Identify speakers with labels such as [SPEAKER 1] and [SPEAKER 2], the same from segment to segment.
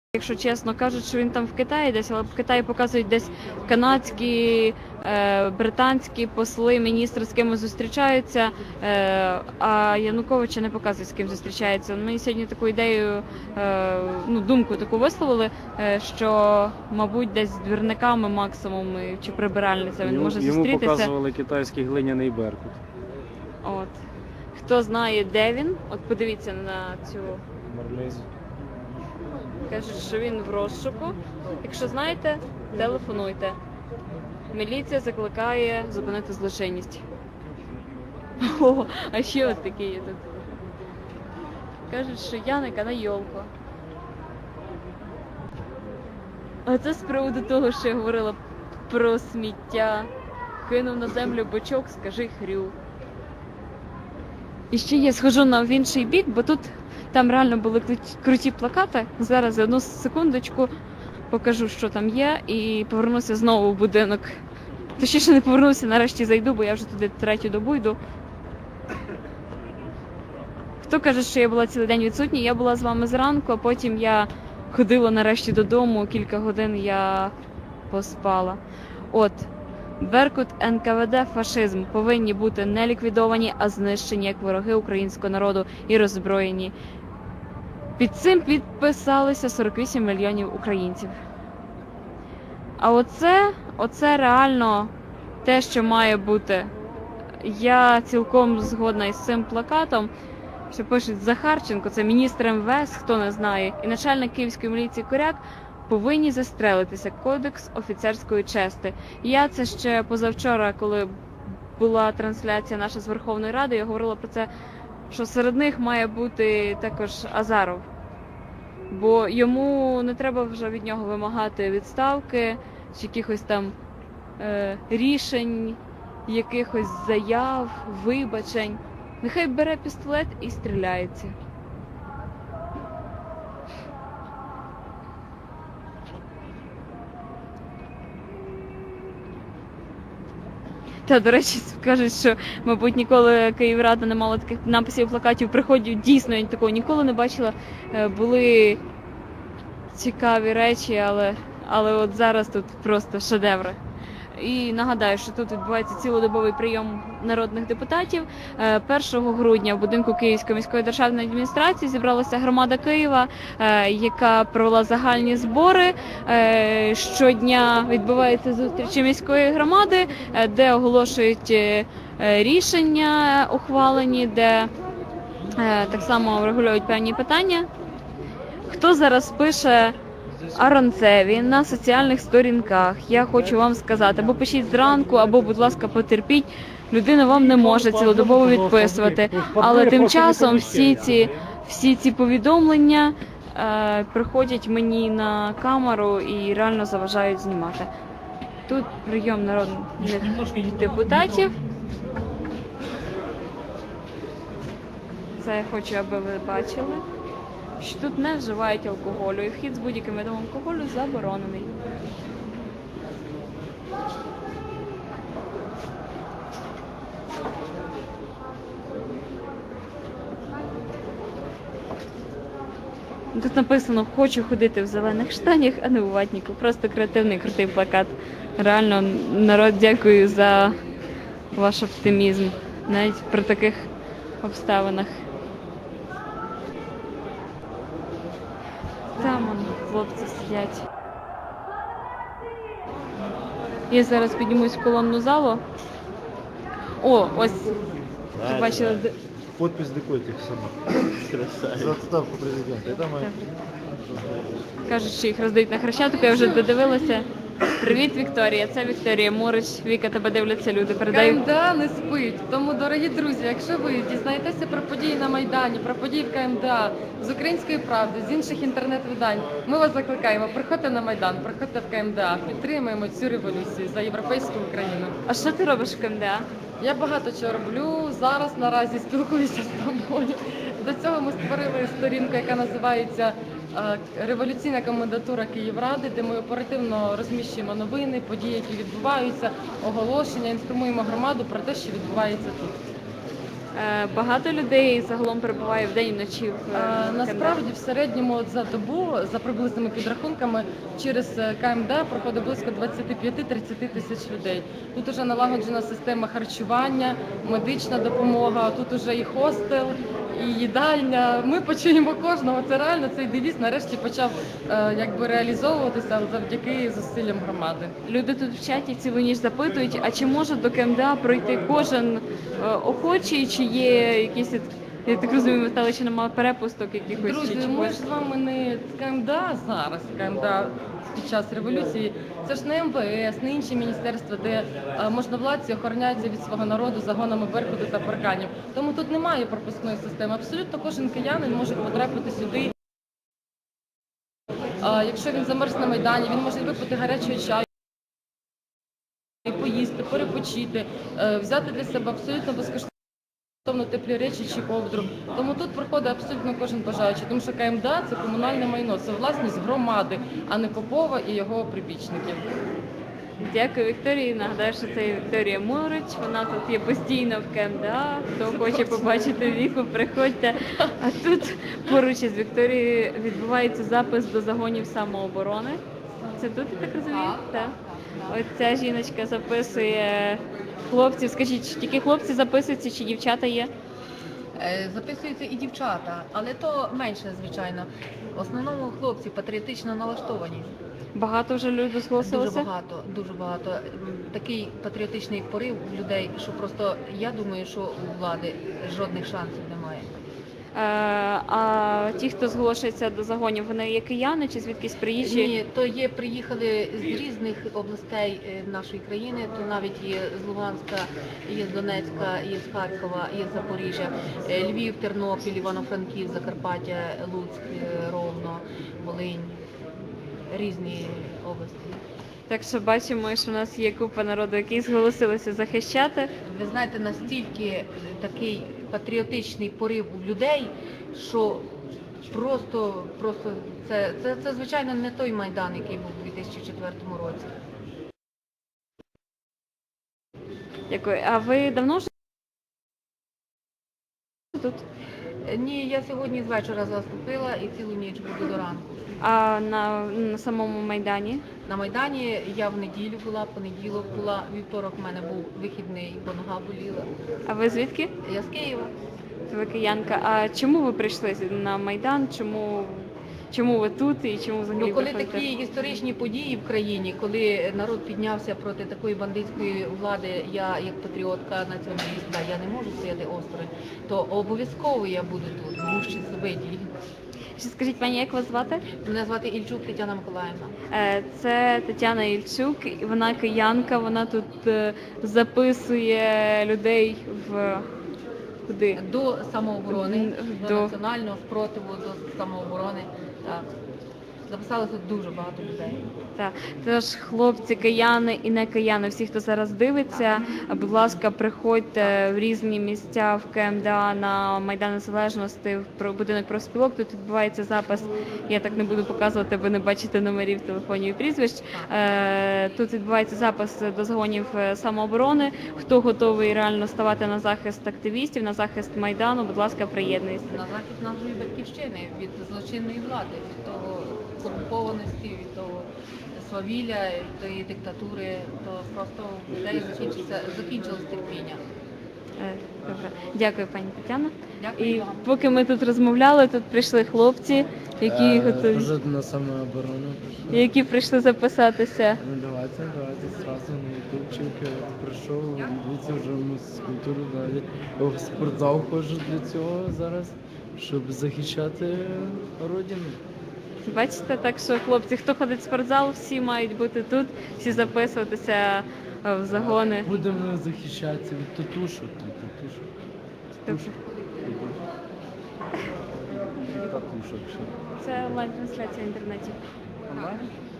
[SPEAKER 1] Якщо чесно, кажуть, що він там в Китаї десь, але в Китаї показують десь канадські, британські посли, міністри з кимось зустрічаються, а Януковича не показують, з ким зустрічається. Мені сьогодні таку ідею, думку таку висловили, що, мабуть, десь з двірниками максимум чи прибиральниця він може зустрітися.
[SPEAKER 2] Йому показували китайський глиняний Беркут.
[SPEAKER 1] От. Хто знає, де він, от подивіться на цю...
[SPEAKER 2] Мармизі.
[SPEAKER 1] Кажуть, що він в розшуку. Якщо знаєте, телефонуйте. Міліція закликає зупинити злочинність. О, а ще от такі є тут. Кажуть, що Яника на йолку. А це з приводу того, що я говорила про сміття. Кинув на землю бочок, скажи хрю. І ще я схожу в інший бік, бо тут там реально були круті плакати. Зараз одну секундочку покажу, що там є, і повернуся знову в будинок. Точніше не повернуся, нарешті зайду, бо я вже туди третю добу йду. Хто каже, що я була цілий день відсутня? Я була з вами зранку, а потім я ходила нарешті додому, кілька годин я поспала. От. Беркут, НКВД, фашизм повинні бути не ліквідовані, а знищені як вороги українського народу і роззброєні. Під цим підписалися 48 мільйонів українців. А оце реально те, що має бути. Я цілком згодна із цим плакатом, що пишуть Захарченко, це міністр МВС, хто не знає, і начальник Київської міліції Коряк, повинні застрелитися. Кодекс офіцерської чести. Я це ще позавчора, коли була трансляція наша з Верховної Ради, я говорила про це, що серед них має бути також Азаров. Бо йому не треба вже від нього вимагати відставки, чи якихось там рішень, якихось заяв, вибачень. Нехай бере пістолет і стріляється. Та, до речі, кажуть, що, мабуть, ніколи Київрада не мала таких написів, плакатів, приходів. Дійсно, я такого ніколи не бачила. Були цікаві речі, але от зараз тут просто шедеври. І нагадаю, що тут відбувається цілодобовий прийом народних депутатів. 1 грудня в будинку Київської міської державної адміністрації зібралася громада Києва, яка провела загальні збори. Щодня відбуваються зустрічі міської громади, де оголошують рішення ухвалені, де так само врегулюють певні питання. Хто зараз пише Аронцеві на соціальних сторінках, я хочу вам сказати, або пишіть зранку, або, будь ласка, потерпіть, людина вам не може цілодобово відписувати. Але тим часом всі ці повідомлення приходять мені на камеру і реально заважають знімати. Тут прийом народних депутатів. Це я хочу, аби ви бачили, що тут не вживають алкоголю, і вхід з будь-яким видом алкоголю заборонений. Тут написано «Хочу ходити в зелених штанях, а не у ватніку». Просто креативний, крутий плакат. Реально, народ, дякую за ваш оптимізм, навіть при таких обставинах. Там вон хлопці сидять. Я зараз піднімусь в колонну залу. О, ось, ви бачили...
[SPEAKER 3] Подпись декольте сама. За отставку президента. Это моя.
[SPEAKER 1] Кажуть, що їх роздають на Хрещатику, я вже додивилася. Привіт, Вікторія, це Вікторія Мурич. Віка, тебе дивляться люди, передаю.
[SPEAKER 4] КМДА не спить. Тому, дорогі друзі, якщо ви дізнаєтеся про події на Майдані, про події в КМДА, з «Української правди», з інших інтернет-видань, ми вас закликаємо, приходьте на Майдан, приходьте в КМДА, підтримуємо цю революцію за європейську Україну.
[SPEAKER 1] А що ти робиш в КМДА?
[SPEAKER 4] Я багато чого роблю, зараз наразі спілкуюся з тобою. До цього ми створили сторінку, яка називається «Революційна комендатура Київради», де ми оперативно розміщуємо новини, події, які відбуваються, оголошення, інформуємо громаду про те, що відбувається тут.
[SPEAKER 1] Багато людей загалом перебуває вдень і вночі в КМДА?
[SPEAKER 4] Насправді в середньому от за добу, за приблизними підрахунками, через КМДА проходить близько 25-30 тисяч людей. Тут уже налагоджена система харчування, медична допомога, тут уже і хостел, і їдальня. Ми почуємо кожного. Це реально цей девіз нарешті почав реалізовуватися завдяки зусиллям громади.
[SPEAKER 1] Люди тут в чаті цілу ніч запитують, а чи може до КМДА пройти кожен охочий, чи є якісь, я так розумію, ви стали, чи немає перепусток якихось?
[SPEAKER 4] Друзі,
[SPEAKER 1] чи
[SPEAKER 4] ми ж з вами не КМДА зараз, КМДА під час революції. Це ж не МВС, не інші міністерства, де можновладці охороняються від свого народу загонами Беркуту та парканів. Тому тут немає пропускної системи. Абсолютно кожен киянин може потрапити сюди. Якщо він замерз на Майдані, він може випити гарячого чаю, поїсти, перепочити, взяти для себе абсолютно безкоштовно теплі речі чи ковдру. Тому тут приходить абсолютно кожен бажаючий, тому що КМДА – це комунальне майно, це власність громади, а не Попова і його прибічників.
[SPEAKER 1] Дякую, Вікторії. Нагадаю, що це Вікторія Морич. Вона тут є постійно в КМДА. Хто хоче побачити Віку, приходьте. А тут поруч із Вікторією відбувається запис до загонів самооборони. Це тут, я так розумію? Так. Ось ця жіночка записує хлопців. Скажіть, тільки хлопці записуються чи дівчата є?
[SPEAKER 5] Записуються і дівчата, але то менше, звичайно. В основному хлопці патріотично налаштовані.
[SPEAKER 1] Багато вже людей зголосилося?
[SPEAKER 5] Дуже багато. Такий патріотичний порив у людей, що просто я думаю, що у влади жодних шансів немає.
[SPEAKER 1] А ті, хто зголошується до загонів, вони є кияни чи звідкись приїжджі?
[SPEAKER 5] Ні, то є, приїхали з різних областей нашої країни, то навіть є з Луганська, є з Донецька, є з Харкова, є з Запоріжжя, Львів, Тернопіль, Івано-Франківськ, Закарпаття, Луцьк, Ровно, Волинь, різні області.
[SPEAKER 1] Так що бачимо, що в нас є купа народу, які зголосилися захищати.
[SPEAKER 5] Ви знаєте, настільки такий патріотичний порив у людей, що просто це звичайно не той Майдан, який був у 2004 році.
[SPEAKER 1] Дякую. А ви давно вже тут?
[SPEAKER 5] Ні, я сьогодні з вечора заступила і цілу ніч буду до ранку.
[SPEAKER 1] А на самому Майдані?
[SPEAKER 5] На Майдані я в неділю була, понеділок була, вівторок в мене був вихідний, бо нога боліла.
[SPEAKER 1] А ви звідки?
[SPEAKER 5] Я з Києва.
[SPEAKER 1] Ви киянка. А чому ви прийшли на Майдан? Чому ви тут і чому взагалі
[SPEAKER 5] Ну, коли
[SPEAKER 1] приходите?
[SPEAKER 5] такі історичні події в країні, коли народ піднявся проти такої бандитської влади, я як патріотка, націоналістка, я не можу стояти осторонь, то обов'язково я буду тут, в гущі событій.
[SPEAKER 1] Ще скажіть, пані, як вас звати?
[SPEAKER 5] Мене звати Ільчук Тетяна Миколаївна.
[SPEAKER 1] Це Тетяна Ільчук, вона киянка, вона тут записує людей в куди?
[SPEAKER 5] До самооборони,
[SPEAKER 1] До-
[SPEAKER 5] до національного спротиву, до самооборони. Так. Записалося дуже багато людей.
[SPEAKER 1] Так, тож хлопці, кияни і не кияни, всі, хто зараз дивиться, будь ласка, приходьте в різні місця в КМДА на Майдан Незалежності, в будинок профспілок. Тут відбувається запис. Я так не буду показувати, ви не бачите номерів телефонів і прізвищ. Тут відбувається запис до загонів самооборони. Хто готовий реально ставати на захист активістів, на захист Майдану, будь ласка, приєднуйтесь.
[SPEAKER 5] На захист нашої батьківщини від злочинної влади, від того корумпованості, від того свавілля, від тої диктатури, то просто в людей закінчилось терпіння.
[SPEAKER 1] Добре. Дякую, пані Тетяна.
[SPEAKER 5] Дякую
[SPEAKER 1] І
[SPEAKER 5] вам.
[SPEAKER 1] поки ми тут розмовляли, тут прийшли хлопці, які готові,
[SPEAKER 3] Уже на самооборону.
[SPEAKER 1] які прийшли записатися.
[SPEAKER 3] Ну давайте сразу на ютубчик прийшов, дивіться вже фізкультуру далі. В спортзал ходжу для цього зараз, щоб захищати родину.
[SPEAKER 1] Бачите, так що хлопці, хто ходить в спортзал, всі мають бути тут, всі записуватися в загони.
[SPEAKER 3] Будемо захищатися від татушок. Татушок. Татушок. Що?
[SPEAKER 1] Це онлайн-трансляція в інтернеті.
[SPEAKER 3] Онлайн?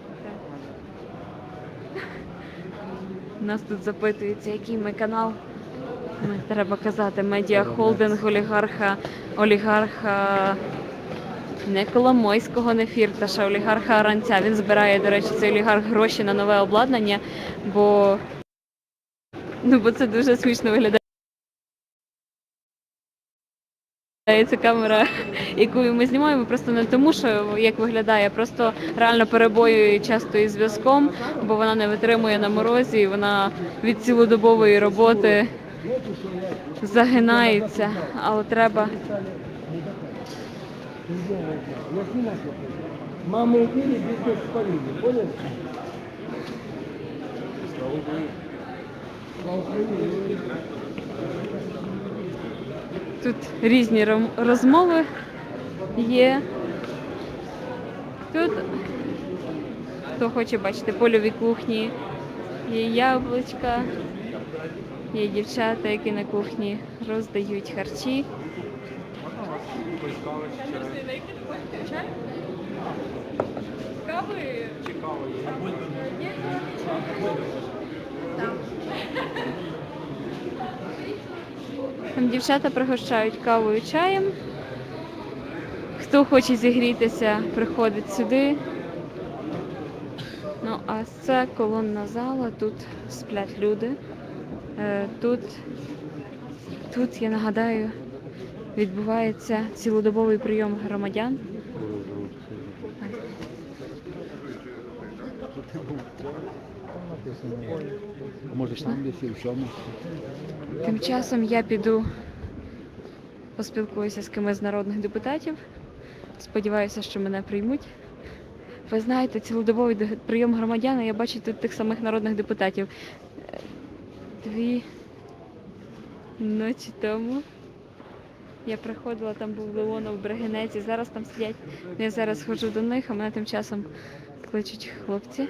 [SPEAKER 1] Так. Нас тут запитується, який ми канал. Треба казати, медіахолдинг олігарха не Коломойського, не Фірташа, олігарха Аранця. Він збирає, до речі, цей олігарх гроші на нове обладнання, бо це дуже смішно виглядає. Ця камера, яку ми знімаємо, просто не тому, що як виглядає, а просто реально перебоює часто із зв'язком, бо вона не витримує на морозі, і вона від цілодобової роботи загинається, але треба. Тут різні розмови є. Тут, хто хоче бачити, польові кухні, є яблучка, є дівчата, які на кухні роздають харчі. Там дівчата пригощають кавою, чаєм. Хто хоче зігрітися, приходить сюди. Ну, а це колонна зала, тут сплять люди. Тут, я нагадаю, відбувається цілодобовий прийом громадян. Тим часом я піду поспілкуюся з кимось з народних депутатів. Сподіваюся, що мене приймуть. Ви знаєте, цілодобовий прийом громадян, я бачу тут тих самих народних депутатів. 2 ночі тому я приходила, там був Леонов, Бригинець, зараз там сидять. Я зараз ходжу до них, а мене тим часом кличуть хлопці.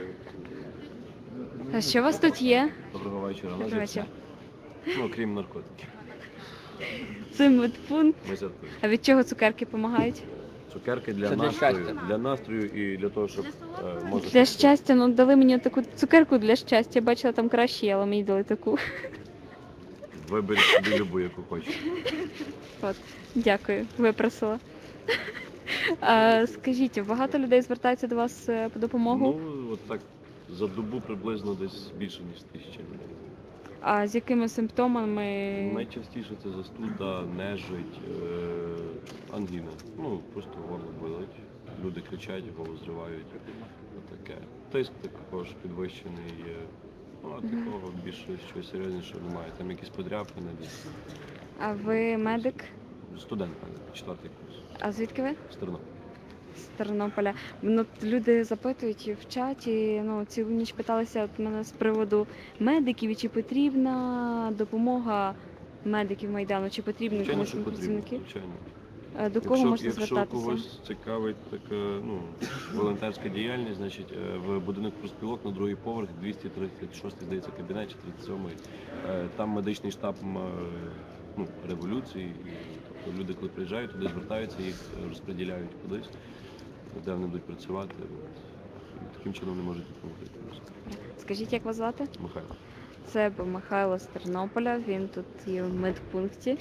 [SPEAKER 1] А що у вас тут є?
[SPEAKER 6] Доброго вечора.
[SPEAKER 1] Доброго вечора.
[SPEAKER 6] Ну, крім наркотиків.
[SPEAKER 1] Це медпункт.
[SPEAKER 6] Ми жартуємо.
[SPEAKER 1] А від чого цукерки допомагають?
[SPEAKER 6] Цукерки для настрою і для того, щоб може...
[SPEAKER 1] Для щастя, ну дали мені таку цукерку для щастя. Я бачила там кращі, але мені дали таку.
[SPEAKER 6] Вибери собі любу, яку хочеш.
[SPEAKER 1] От, дякую, випросила. А, скажіть, багато людей звертаються до вас по допомогу?
[SPEAKER 6] Ну, от так, за добу приблизно десь більше, ніж 1000 людей.
[SPEAKER 1] А з якими симптомами?
[SPEAKER 6] Найчастіше це застуда, нежить, ангіна. Ну, просто горло болить. Люди кричать, голос зривають. Отаке. Тиск також підвищений є. Ну, а такого більше щось серйозніше немає. Там якісь подряпини десь.
[SPEAKER 1] А ви медик?
[SPEAKER 6] Студент, 4-й курс.
[SPEAKER 1] А звідки ви?
[SPEAKER 6] З Тернополя.
[SPEAKER 1] З Тернополя. Ну, люди запитують в чаті, ну, цілу ніч питалися от мене з приводу медиків, і чи потрібна допомога медиків Майдану, чи потрібні
[SPEAKER 6] Звичайно,
[SPEAKER 1] комусь
[SPEAKER 6] що потрібно,
[SPEAKER 1] працівники?
[SPEAKER 6] звичайно.
[SPEAKER 1] До кого можна
[SPEAKER 6] Якщо
[SPEAKER 1] звертатися?
[SPEAKER 6] когось цікавить така, ну, волонтерська діяльність, значить, в будинок профспілок на другий поверх, 236, здається, кабінет, чи 37-й. Там медичний штаб ну, революції. І, тобто люди, коли приїжджають, туди звертаються, їх розподіляють кудись, де вони будуть працювати. І таким чином не можуть допомогти.
[SPEAKER 1] Скажіть, як вас звати?
[SPEAKER 6] Михайло.
[SPEAKER 1] Це Михайло з Тернополя, він тут є в медпункті.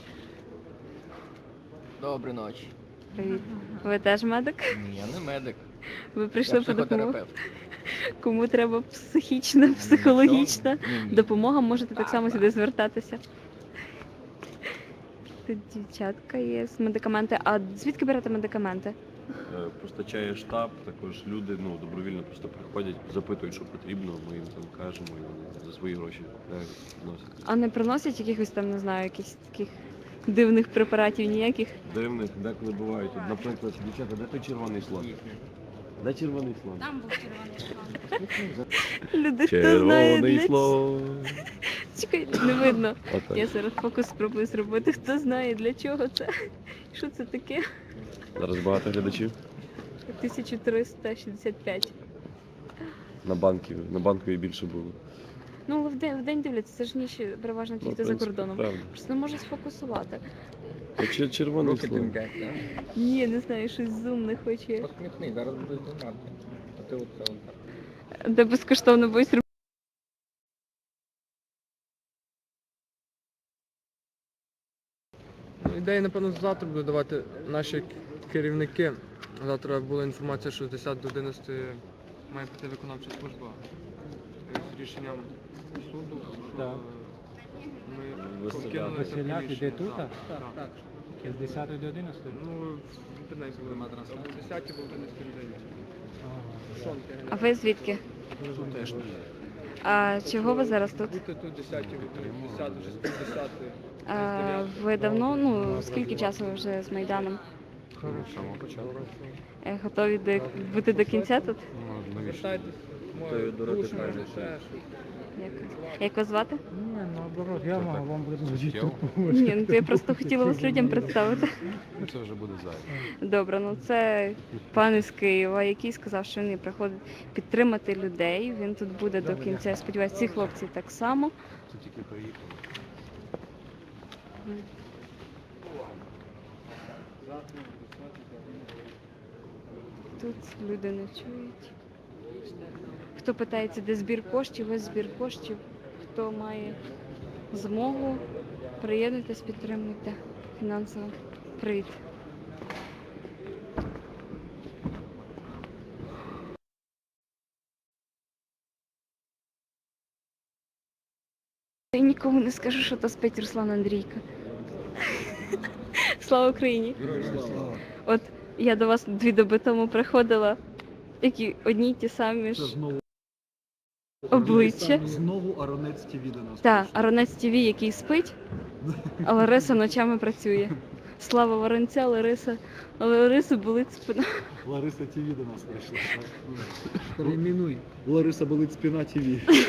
[SPEAKER 7] Доброї ночі.
[SPEAKER 1] Привіт. Ви теж медик?
[SPEAKER 7] Ні, я не медик.
[SPEAKER 1] Ви прийшли
[SPEAKER 7] Я
[SPEAKER 1] по допомогу?
[SPEAKER 7] психотерапевт.
[SPEAKER 1] Кому треба психічна, психологічна
[SPEAKER 7] Ні.
[SPEAKER 1] допомога, можете так само сюди звертатися. Тут дівчатка є з медикаменти. А звідки берете медикаменти?
[SPEAKER 6] Постачає штаб, також люди ну, добровільно просто приходять, запитують, що потрібно, ми їм там кажемо, і вони за свої гроші купляють, вносять.
[SPEAKER 1] А не приносять якихось там, не знаю, якихось таких дивних препаратів ніяких?
[SPEAKER 6] Дивних, деколи бувають. От, наприклад, дівчата, де той червоний слон? Де червоний слон?
[SPEAKER 8] Там був червоний слон.
[SPEAKER 1] Люди, хто знає для
[SPEAKER 6] слон.
[SPEAKER 1] Чекай, не видно.
[SPEAKER 6] Отак.
[SPEAKER 1] Я зараз фокус спробую зробити. Хто знає, для чого це? Що це таке?
[SPEAKER 6] Зараз багато глядачів
[SPEAKER 1] 1365.
[SPEAKER 6] на банковій більше було.
[SPEAKER 1] Ну, але в день дивляться, це ж ніч переважно ті,
[SPEAKER 6] Ну, в
[SPEAKER 1] хто за
[SPEAKER 6] принципі,
[SPEAKER 1] кордоном.
[SPEAKER 6] правда.
[SPEAKER 1] Просто не можу сфокусувати.
[SPEAKER 6] Червоний
[SPEAKER 7] Руки
[SPEAKER 6] слон.
[SPEAKER 7] тингать, так?
[SPEAKER 1] Ні, не знаю, щось зум не хоче.
[SPEAKER 7] Посміхни, зараз будеш знімати. А ти оце отак.
[SPEAKER 1] Де безкоштовно будуть робити.
[SPEAKER 3] Ідеї, напевно, завтра будуть давати наші керівники. Завтра була інформація, що з 10 до 11 має бути виконавча служба з рішенням суду, що
[SPEAKER 2] Так.
[SPEAKER 3] ми
[SPEAKER 6] Василя.
[SPEAKER 3] покинули це
[SPEAKER 2] Василяк
[SPEAKER 3] приміщення.
[SPEAKER 2] іде тут,
[SPEAKER 3] Так,
[SPEAKER 2] а?
[SPEAKER 3] так.
[SPEAKER 7] З 10 до 11?
[SPEAKER 9] Ну, в інтернеті буде мати трансляцію. 10 або 11 людей. Шонки.
[SPEAKER 1] А ви звідки?
[SPEAKER 9] Теж.
[SPEAKER 1] А чого ви зараз тут?
[SPEAKER 9] Бути тут 10, 10, вже з 50.
[SPEAKER 1] А, ви давно, ну скільки часу ви вже з Майданом? Готові бути до кінця тут?
[SPEAKER 9] Звертайтесь, моє душу, ще щось.
[SPEAKER 1] Як вас звати?
[SPEAKER 7] Ні, наоборот, я можу вам предложити.
[SPEAKER 1] Ні, ну то я просто хотіла вас людям представити.
[SPEAKER 6] Це вже буде зайве.
[SPEAKER 1] Добре, ну це пан із Києва, який сказав, що він приходить підтримати людей. Він тут буде до кінця. Я сподіваюся, ці хлопці так само.
[SPEAKER 6] Це тільки приїхали.
[SPEAKER 1] Тут люди не чують. Хто питається, де збір коштів, ось збір коштів. Хто має змогу, приєднуйтесь, підтримуйте фінансово. Привіт. Я нікому не скажу, що то спить Руслан Андрійко. Слава Україні! От я до вас 2 доби тому приходила, які одні й ті самі ж обличчя.
[SPEAKER 10] Знову Аронець ТВ до нас.
[SPEAKER 1] Так, Аронець ТВ, який спить, а Лариса ночами працює. Слава Воронця, Лариса. Але Лариса болить спина.
[SPEAKER 10] Лариса ТВ до нас прийшла.
[SPEAKER 3] Перейменуй.
[SPEAKER 10] Лариса болить спина ТВ.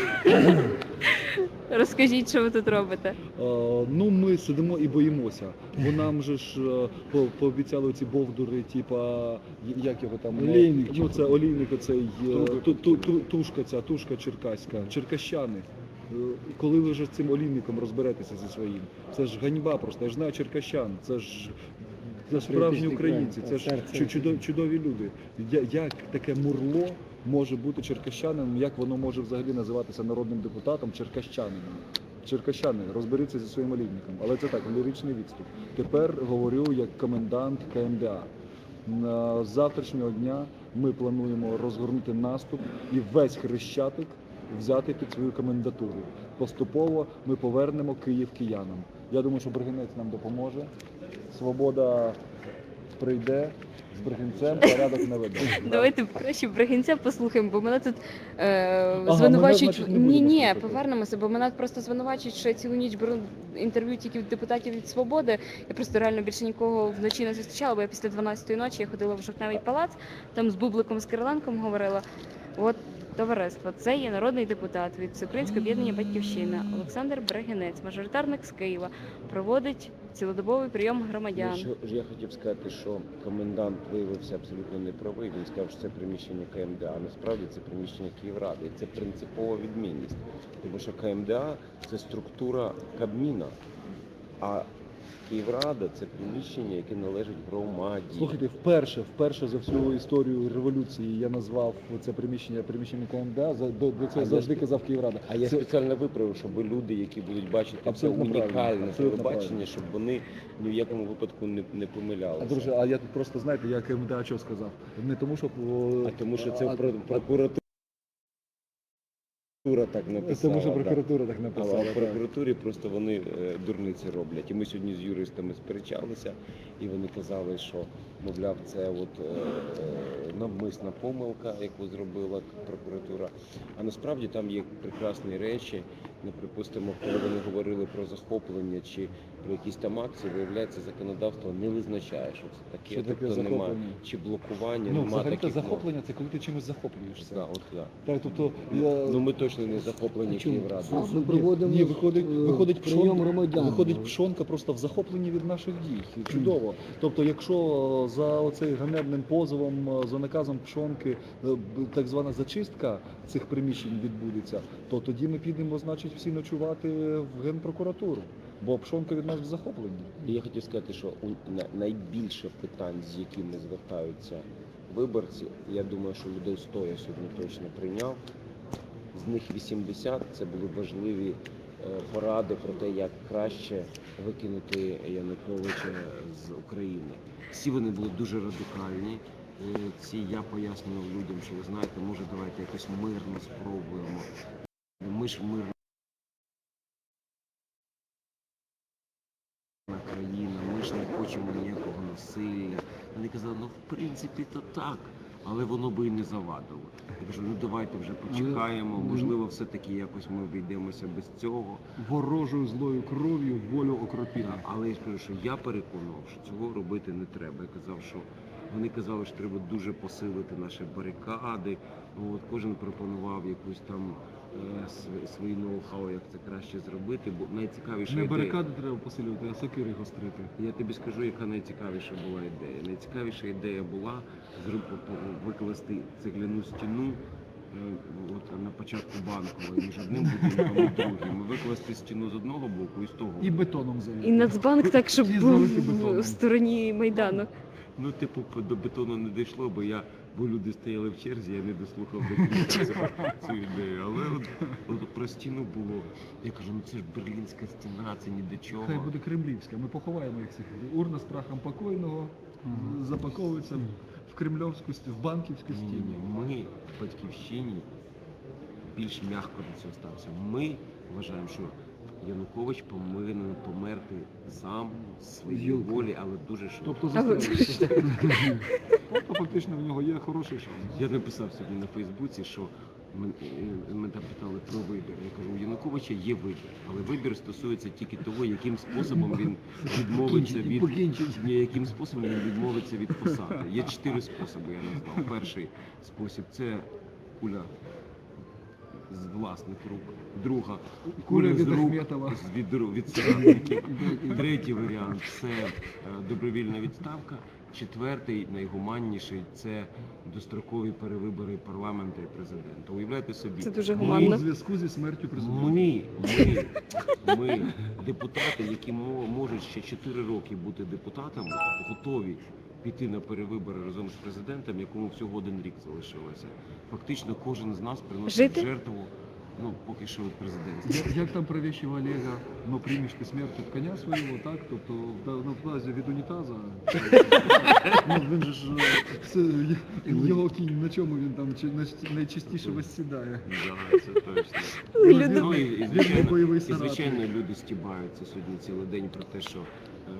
[SPEAKER 1] Розкажіть, що ви тут робите.
[SPEAKER 10] Ну, ми сидимо і боїмося. Бо нам же ж пообіцяли ці бовдури, типа, як його там?
[SPEAKER 3] Олійник.
[SPEAKER 10] Ну, це олійник, оцей, тушка черкаська, черкащани. Коли ви вже з цим олійником розберетеся зі своїм? Це ж ганьба просто, я ж знаю черкащан, це ж справжні українці, це ж чудові люди. Як таке мурло може бути черкащанином, як воно може взагалі називатися народним депутатом черкащанином? Черкащани, розберіться зі своїм олійником. Але це так, ліричний відступ. Тепер говорю як комендант КМДА. З завтрашнього дня ми плануємо розгорнути наступ і весь Хрещатик взяти під свою комендатуру. Поступово ми повернемо Київ киянам. Я думаю, що Бригинець нам допоможе. Свобода прийде, з Бригинцем порядок наведе.
[SPEAKER 1] Давайте краще Бригинця послухаємо, бо мене тут
[SPEAKER 10] мене,
[SPEAKER 1] звинувачують.
[SPEAKER 10] значить, не будемо
[SPEAKER 1] Ні,
[SPEAKER 10] слухати.
[SPEAKER 1] повернемося, бо мене просто звинувачують, що я цілу ніч беру інтерв'ю тільки від депутатів від Свободи. Я просто реально більше нікого вночі не зустрічала, бо я після 12-ї ночі я ходила в Жовтневий палац, там з Бубликом, з Кириленком говорила. От товариство, це є народний депутат від Всеукраїнського об'єднання «Батьківщина» Олександр Бригинець, мажоритарник з Києва, проводить цілодобовий прийом громадян.
[SPEAKER 11] Що ж я хотів сказати, що комендант виявився абсолютно неправий. Він сказав, що це приміщення КМДА. А насправді це приміщення Київради. І це принципова відмінність. Тому що КМДА – це структура Кабміна, а Київрада – це приміщення, яке належить громаді.
[SPEAKER 10] Слухайте, вперше за всю історію революції я назвав це приміщення КМДА, до цього завжди казав Київрада.
[SPEAKER 11] А я
[SPEAKER 10] Це-
[SPEAKER 11] спеціально виправив, щоб люди, які будуть бачити це
[SPEAKER 10] Абсолютно правильно,
[SPEAKER 11] унікальне
[SPEAKER 10] абсолютно
[SPEAKER 11] телебачення,
[SPEAKER 10] правильно.
[SPEAKER 11] щоб вони ні в якому випадку не помилялися.
[SPEAKER 10] А друже, а я тут просто, знаєте, я КМДА що сказав? Не тому, що...
[SPEAKER 11] А тому що це прокуратура так написала.
[SPEAKER 10] Тому що
[SPEAKER 11] да.
[SPEAKER 10] прокуратура так
[SPEAKER 11] А
[SPEAKER 10] написала.
[SPEAKER 11] в
[SPEAKER 10] так.
[SPEAKER 11] прокуратурі просто вони дурниці роблять. І ми сьогодні з юристами сперечалися, і вони казали, що, мовляв, це от навмисна помилка, яку зробила прокуратура. А насправді там є прекрасні речі. Ну, припустимо, коли вони говорили про захоплення чи про якісь там акції, виявляється, законодавство не визначає, що це таке.
[SPEAKER 10] Що таке
[SPEAKER 11] тобто немає
[SPEAKER 10] захоплення?
[SPEAKER 11] чи блокування,
[SPEAKER 10] Ну,
[SPEAKER 11] нема
[SPEAKER 10] взагалі-то
[SPEAKER 11] таких
[SPEAKER 10] захоплення – це коли ти чимось захоплюєшся.
[SPEAKER 11] Да, от, да.
[SPEAKER 10] Так, тобто, я...
[SPEAKER 11] Ну ми точно не захоплені Київради.
[SPEAKER 3] Ми проводимо
[SPEAKER 10] виходить
[SPEAKER 3] прийом
[SPEAKER 10] пшонка,
[SPEAKER 3] громадян.
[SPEAKER 10] виходить пшонка просто в захопленні від наших дій. Чудово. Тобто, якщо за оцей ганебним позовом, за наказом пшонки, так звана зачистка цих приміщень відбудеться, то тоді ми підемо, значить, всі ночувати в Генпрокуратуру. Бо пшонка від нас в захопленні.
[SPEAKER 11] І я хотів сказати, що найбільше питань, з якими звертаються виборці, я думаю, що людей 100 я сьогодні точно прийняв. З них 80 це були важливі поради про те, як краще викинути Януковича з України. Всі вони були дуже радикальні. Я пояснював людям, що ви знаєте, може давайте якось мирно спробуємо. Ми ж мирна країна, ми ж ж не хочемо ніякого насилля. Вони казали, ну в принципі то так, але воно би і не завадило. Я кажу, ну давайте вже почекаємо, можливо, все-таки якось ми обійдемося без цього.
[SPEAKER 10] Ворожою злою кров'ю волю окропіли.
[SPEAKER 11] Але я ж кажу, що я переконував, що цього робити не треба. Я казав, що вони казали, що треба дуже посилити наші барикади. От, кожен пропонував якусь там свої ноу-хау, як це краще зробити. Бо найцікавіша
[SPEAKER 10] Не
[SPEAKER 11] ідея.
[SPEAKER 10] барикади треба посилювати, а сокири гострити.
[SPEAKER 11] Я тобі скажу, яка найцікавіша була ідея. Найцікавіша ідея була викласти цегляну стіну от, на початку Банкової між одним будинком і другим. Викласти стіну з одного боку і з того.
[SPEAKER 10] І бетоном залити.
[SPEAKER 1] І Нацбанк так, щоб
[SPEAKER 10] І
[SPEAKER 1] був
[SPEAKER 10] залити бетоном.
[SPEAKER 1] в стороні Майдану.
[SPEAKER 11] Ну, типу, до бетону не дійшло, бо люди стояли в черзі, я не дослухав до кінця цю ідею. Але от про стіну було. Я кажу, ну це ж берлінська стіна, це ні до чого.
[SPEAKER 10] Хай буде кремлівська. Ми поховаємо їх всіх. Урна з прахом покойного запаковується в кремльовську стіну, в банківську
[SPEAKER 11] Ні,
[SPEAKER 10] стіну.
[SPEAKER 11] ми в Батьківщині більш м'яко до цього стався. Ми вважаємо, що Янукович повинен померти сам своєї волі, але дуже швидко.
[SPEAKER 10] Тобто застрелитися. Тобто фактично в нього є хороший шанс.
[SPEAKER 11] Я написав сьогодні на Фейсбуці, що мене питали про вибір. Я кажу, у Януковича є вибір, але вибір стосується тільки того, яким способом він відмовиться яким способом він відмовиться від посади. Є 4 способи, я назвав. Перший спосіб це куля з власних рук. Друга
[SPEAKER 10] Куля
[SPEAKER 11] з
[SPEAKER 10] від
[SPEAKER 11] рук
[SPEAKER 10] Ахметова.
[SPEAKER 11] від соратників. Третій варіант це добровільна відставка. Четвертий, найгуманніший, це дострокові перевибори парламенту і президента. Уявляєте собі,
[SPEAKER 1] Це дуже
[SPEAKER 10] У
[SPEAKER 1] гуманно.
[SPEAKER 10] зв'язку зі смертю президента.
[SPEAKER 11] ми, депутати, які можуть ще 4 роки бути депутатами, готові піти на перевибори разом з президентом, якому всього 1 рік залишилося. Фактично кожен з нас приносить
[SPEAKER 1] Жити?
[SPEAKER 11] жертву, ну, поки що від президентства.
[SPEAKER 10] Як там провіщив Олега, но приймеш ти смерть від коня свого, так? Тобто на фразі від унітаза. Ну, він же ж, його кінь, на чому він там найчастіше восідає.
[SPEAKER 11] Да, це точно.
[SPEAKER 1] Люди-
[SPEAKER 11] Ну, і
[SPEAKER 10] бойовий
[SPEAKER 11] звичайно, люди стібаються сьогодні цілий день про те, що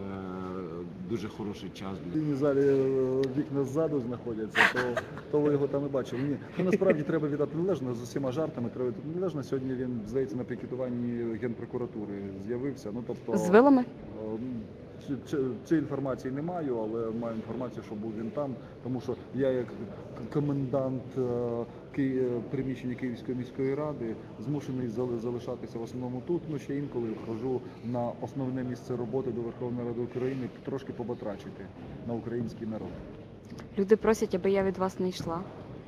[SPEAKER 11] дуже хороший час.
[SPEAKER 10] В залі вікна ззаду знаходяться, то ви його там і бачили. Ні, ну, насправді треба віддати належно з усіма жартами. Треба віддати належно. Сьогодні він, здається, на пікетуванні Генпрокуратури з'явився. Ну, тобто,
[SPEAKER 1] З вилами?
[SPEAKER 10] Цієї інформації не маю, але маю інформацію, що був він там, тому що я як комендант приміщення Київської міської ради змушений залишатися в основному тут, ну ще інколи ходжу на основне місце роботи до Верховної Ради України трошки побатрачити на український народ.
[SPEAKER 1] Люди просять, аби я від вас не йшла.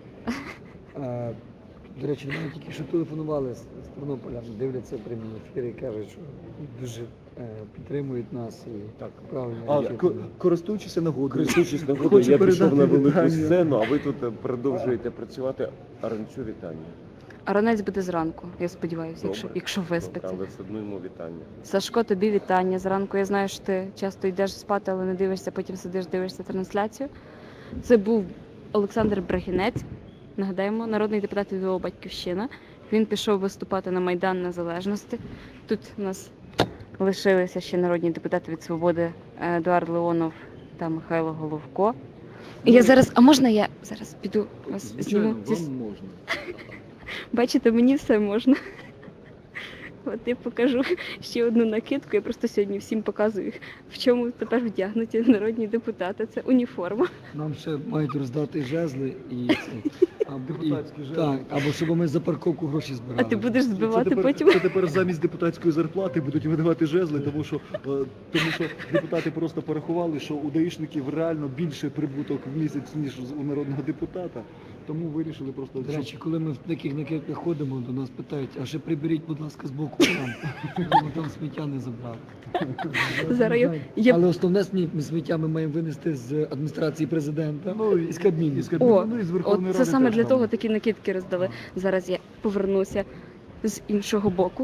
[SPEAKER 12] До речі, до мене тільки що телефонували з Тернополя, дивляться прямі ефіри і кажуть, що дуже підтримують нас і так правильно.
[SPEAKER 10] Користуючись нагодою,
[SPEAKER 11] Я пішов на велику
[SPEAKER 10] вітання.
[SPEAKER 11] сцену, а ви тут продовжуєте працювати. Аранцю вітання.
[SPEAKER 1] Аронець буде зранку, я сподіваюся,
[SPEAKER 11] Добре.
[SPEAKER 1] якщо виспиться.
[SPEAKER 11] Але все одно йому вітання.
[SPEAKER 1] Сашко, тобі вітання. Зранку я знаю, що ти часто йдеш спати, але не дивишся, потім сидиш, дивишся трансляцію. Це був Олександр Брагінець, нагадаємо, народний депутат від Батьківщина. Він пішов виступати на Майдан Незалежності. Тут у нас лишилися ще народні депутати від Свободи Едуард Леонов та Михайло Головко. І я зараз, а можна я зараз піду вас
[SPEAKER 10] Звичайно,
[SPEAKER 1] зніму?
[SPEAKER 10] вам можна.
[SPEAKER 1] Бачите, мені все можна. От я покажу ще одну накидку. Я просто сьогодні всім показую, в чому тепер вдягнуті народні депутати. Це уніформа.
[SPEAKER 12] Нам ще мають роздати жезли і
[SPEAKER 10] Депутатські жезли.
[SPEAKER 12] так, або щоб ми за парковку гроші
[SPEAKER 1] А
[SPEAKER 12] збирали.
[SPEAKER 1] ти будеш збивати
[SPEAKER 10] Це
[SPEAKER 1] потім.
[SPEAKER 10] це тепер замість депутатської зарплати будуть видавати жезли, тому що депутати просто порахували, що у даїшників реально більше прибуток в місяць, ніж у народного депутата. Тому вирішили просто...
[SPEAKER 12] До речі, коли ми в таких накидках ходимо, до нас питають, а ще приберіть, будь ласка, з боку там, щоб ми там сміття не забрали.
[SPEAKER 1] Зараз я-
[SPEAKER 12] Але основне сміття ми маємо винести з адміністрації президента і з Кабміну.
[SPEAKER 1] О,
[SPEAKER 10] ну, і з
[SPEAKER 1] от
[SPEAKER 10] Верховної
[SPEAKER 1] це
[SPEAKER 10] Ради
[SPEAKER 1] саме
[SPEAKER 10] теж
[SPEAKER 1] для
[SPEAKER 10] там.
[SPEAKER 1] того такі накидки роздали. Зараз я повернуся з іншого боку.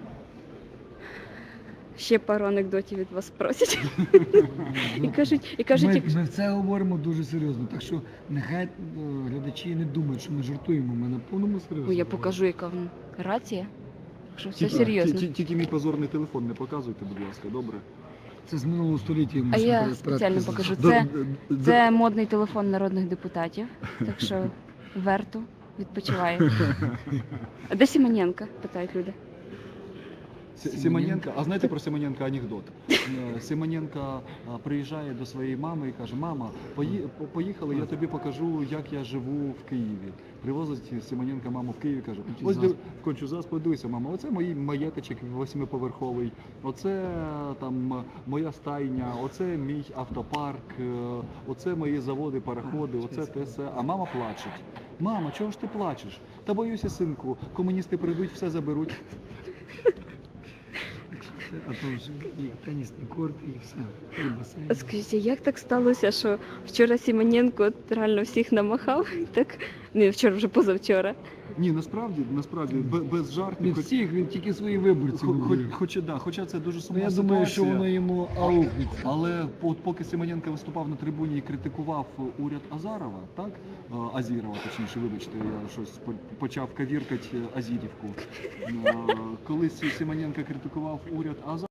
[SPEAKER 1] Ще пару анекдотів від вас просять. І кажуть,
[SPEAKER 12] Ми це говоримо дуже серйозно, так що нехай глядачі не думають, що ми жартуємо, ми на повному серйозно.
[SPEAKER 1] Ой, я покажу, яка в рація. Що все
[SPEAKER 10] Тільки-
[SPEAKER 1] серйозно.
[SPEAKER 10] Тільки мій позорний телефон не показуйте, будь ласка, добре?
[SPEAKER 12] Це з минулого століття. йому
[SPEAKER 1] А
[SPEAKER 12] ще
[SPEAKER 1] я
[SPEAKER 12] перед
[SPEAKER 1] спеціально
[SPEAKER 12] предки
[SPEAKER 1] покажу.
[SPEAKER 12] залишили.
[SPEAKER 1] Це модний телефон народних депутатів, так що верту відпочиває. А де Сімоненко? Питають люди.
[SPEAKER 10] Симоненко, а знаєте про Симоненка анекдот? Симоненко приїжджає до своєї мами і каже: мама, поїхали, я тобі покажу, як я живу в Києві. Привозить Симоненко маму в Київ і каже: ось Кончузас, подивися, мама, оце мій маєточок 8-поверховий, оце там моя стайня, оце мій автопарк, оце мої заводи, пароходи, оце те все. А мама плаче. Мама, чого ж ти плачеш? Та боюся, синку, комуністи прийдуть, все заберуть.
[SPEAKER 12] А то вже і тенісні корти, і все. І басейн.
[SPEAKER 1] А скажіть, а як так сталося, що вчора Сімоненко от реально всіх намахав? Так? Не вчора, вже позавчора.
[SPEAKER 10] Ні, насправді, без жартів.
[SPEAKER 12] Не всіх, він тільки свої виборці. виборів.
[SPEAKER 10] Хоча це дуже сумна
[SPEAKER 12] Ну, я
[SPEAKER 10] ситуація.
[SPEAKER 12] думаю, що воно йому аукнеться.
[SPEAKER 10] Але от поки Симоненко виступав на трибуні і критикував уряд Азарова, так? Азірова, точніше, вибачте, я щось почав кавіркати Азірівку. Коли Симоненко критикував уряд Азарова,